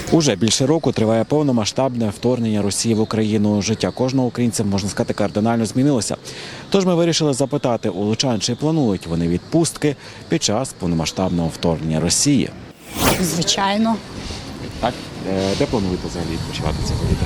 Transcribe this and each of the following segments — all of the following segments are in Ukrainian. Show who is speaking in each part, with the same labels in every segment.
Speaker 1: Уже більше року триває повномасштабне вторгнення Росії в Україну. Життя кожного українця, можна сказати, кардинально змінилося. Тож ми вирішили запитати у лучан, чи планують вони відпустки під час повномасштабного вторгнення Росії.
Speaker 2: Звичайно.
Speaker 1: Так? Де плануєте взагалі відпочивати цього літа?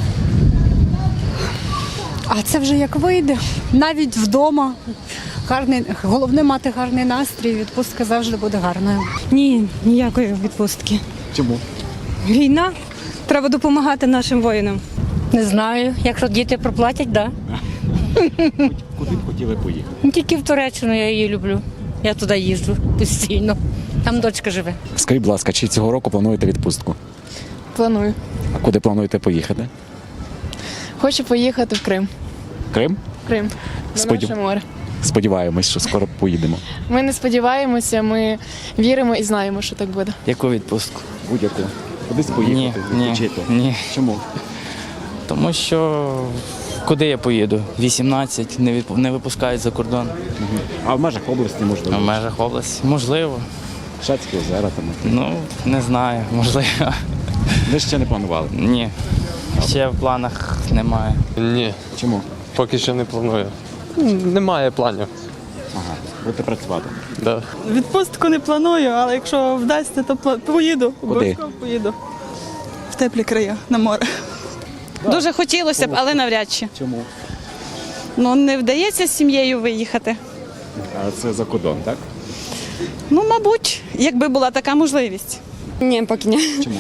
Speaker 2: А це вже як вийде. Навіть вдома. Головне мати гарний настрій, відпустка завжди буде гарною.
Speaker 3: Ні, ніякої відпустки.
Speaker 1: Чому?
Speaker 3: Війна. Треба допомагати нашим воїнам.
Speaker 4: Не знаю. Якщо діти проплатять, так.
Speaker 1: Куди б хотіли поїхати?
Speaker 4: Да. Тільки в Туреччину я її люблю. Я туди їжджу постійно. Там дочка живе.
Speaker 1: Скажіть, будь ласка, чи цього року плануєте відпустку?
Speaker 5: Планую.
Speaker 1: А куди плануєте поїхати?
Speaker 5: Хочу поїхати в Крим.
Speaker 1: Крим?
Speaker 5: Крим. На наше море.
Speaker 1: Сподіваємось, що скоро поїдемо.
Speaker 5: Ми не сподіваємося, ми віримо і знаємо, що так буде.
Speaker 6: Яку відпустку?
Speaker 1: Будь-яку. Кудись поїхати, відпочити?
Speaker 6: Ні.
Speaker 1: Чому?
Speaker 6: Тому що куди я поїду? 18, не випускають за кордон.
Speaker 1: А в межах області,
Speaker 6: А в
Speaker 1: можливо?
Speaker 6: межах області. Можливо.
Speaker 1: Шацькі озера там.
Speaker 6: Ну, не знаю, можливо.
Speaker 1: Ви ще не планували?
Speaker 6: Ні. Ще в планах немає.
Speaker 7: Ні,
Speaker 1: Чому?
Speaker 7: поки що не планую. Немає планів.
Speaker 1: Ага, будете працювати.
Speaker 7: Да.
Speaker 8: Відпустку не планую, але якщо вдасться, то поїду.
Speaker 1: Куди?
Speaker 8: Обов'язково поїду. В теплі краї, на море. Дуже хотілося б, але навряд чи.
Speaker 1: Чому?
Speaker 8: Ну, не вдається з сім'єю виїхати.
Speaker 1: А це за кордон, так?
Speaker 8: Ну, мабуть, якби була така можливість.
Speaker 9: Ні, поки ні.
Speaker 1: Чому?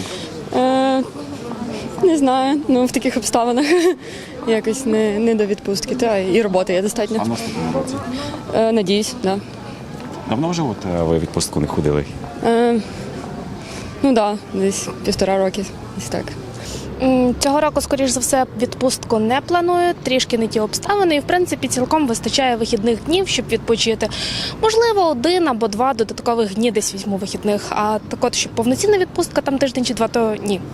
Speaker 9: Не знаю, ну в таких обставинах якось не до відпустки. Та і роботи є
Speaker 1: А
Speaker 9: достатньо.
Speaker 1: в наступному році?
Speaker 9: Надіюсь, так.
Speaker 1: Давно вже ви відпустку не ходили?
Speaker 9: Ну так, десь 1,5 роки, десь так.
Speaker 10: Цього року, скоріш за все, відпустку не планую, трішки не ті обставини, і, в принципі, цілком вистачає вихідних днів, щоб відпочити. Можливо, 1 або 2 додаткових дні десь візьму вихідних, а так от, щоб повноцінна відпустка, там тиждень чи 2, то ні.